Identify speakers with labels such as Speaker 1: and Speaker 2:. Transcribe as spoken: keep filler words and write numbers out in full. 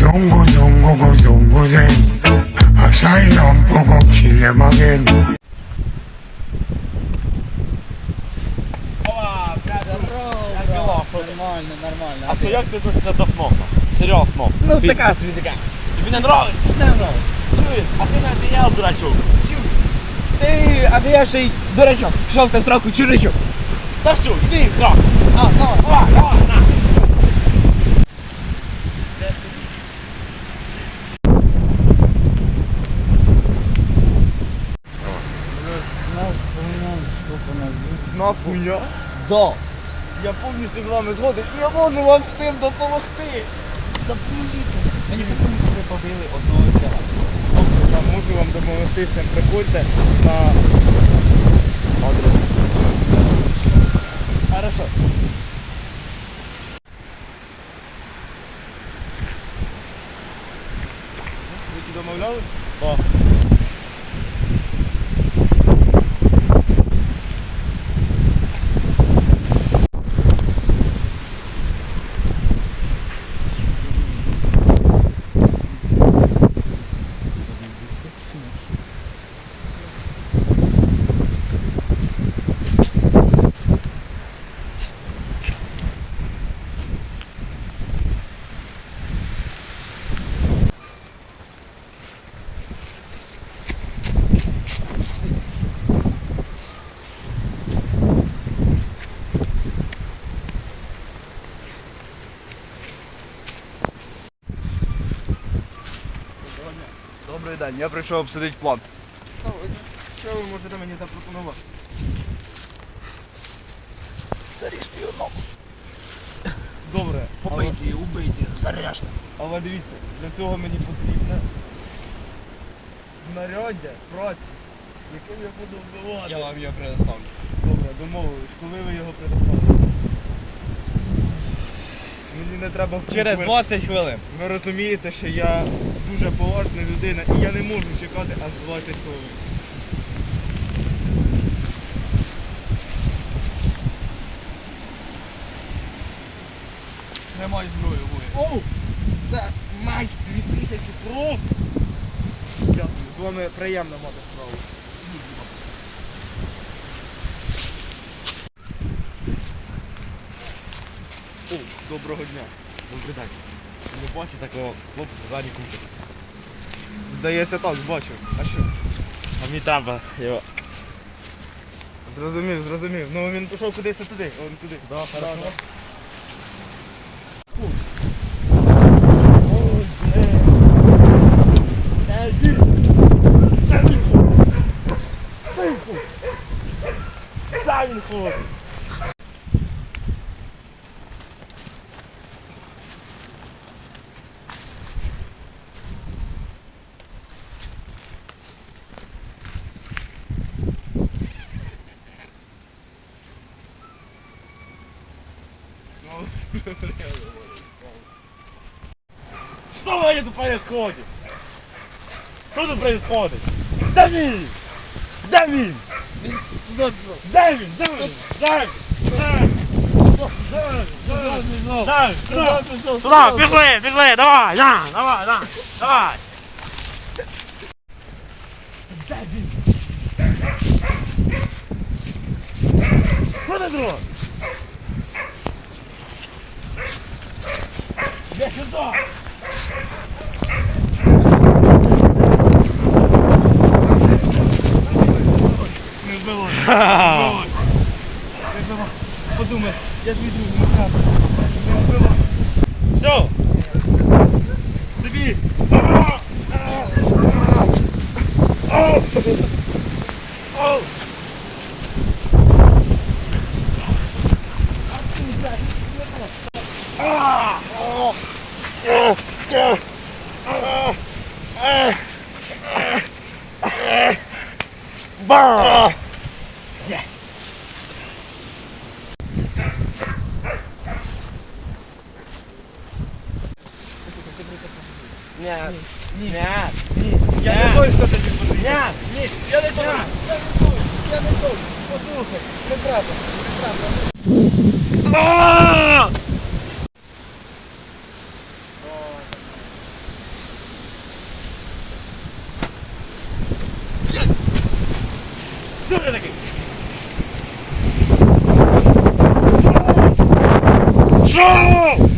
Speaker 1: 동고동고고 동고생 아사히 넘보고 길레마겐
Speaker 2: Нормально, нормально.
Speaker 3: А що, як ти відносишся до ФНОФа? Серіал ФНОФ.
Speaker 2: Ну, така собі така.
Speaker 3: Тобі не нравиться?
Speaker 2: Не нравится.
Speaker 3: Чуєш? А ти не одіяв, дурачок.
Speaker 2: Ти, а я ще й дурачок. Пішов ти в сраку чуричок.
Speaker 3: Та що, іди в храм.
Speaker 2: А, давай.
Speaker 3: Давай, давай, на.
Speaker 2: Знав хуйня? Да. Я повністю з вами згоден. Я можу вам з цим допомогти. Допоможіть. Мені потрібно, щоб ви побили одного чела. Добре, я можу вам допомогти з цим. Приходьте на адрес. Хорошо. Ви домовлялись? Так.
Speaker 4: Добрий день, я прийшов обсудити план.
Speaker 2: Що ви можете мені запропонувати?
Speaker 4: Заріжте його ногу.
Speaker 2: Добре.
Speaker 4: Побийте її, убийте, заряжте.
Speaker 2: Але дивіться, для цього мені потрібне знаряддя, праці, яким я буду вбивати.
Speaker 4: Я вам його предоставлю.
Speaker 2: Добре, домовились. Коли ви його предоставите? Мені не треба
Speaker 4: Через
Speaker 2: ви-
Speaker 4: двадцять хвилин.
Speaker 2: Ви розумієте, що я дуже поважна людина і я не можу чекати аж двадцять хвилин.
Speaker 4: Тримай зброю, воїн.
Speaker 2: Оу! Це майже дві тисячі кров! Дякую, з вами приємно мати справу.
Speaker 3: О, доброго дня. Добрий день. Не бачу такого хлопця ззаді купи.
Speaker 2: Здається так, бачу. А що?
Speaker 3: А мені треба його.
Speaker 2: Зрозумів, зрозумів. Ну він пішов кудись туди, он туди.
Speaker 3: Да, хорошо. Дай він ходить. Что вообще тут происходит? Что тут происходит? Дави! Дави! Дави! Дави! Дави! Туда, пішли, пішли, давай, на, давай, на, давай. Що ти дрон? Де сюди?
Speaker 2: Не вбивай. Не вбивай. Подумай, я ж віду не вкрав. Не вбивай.
Speaker 3: Все. Тобі. Ба!
Speaker 2: Нет,
Speaker 3: Ні.
Speaker 2: нет, я не той, хто тобі потрібен.
Speaker 3: Ні.
Speaker 2: Ні, я не той, я не той, я не той. Послухай, не треба, не треба.
Speaker 1: Пошел!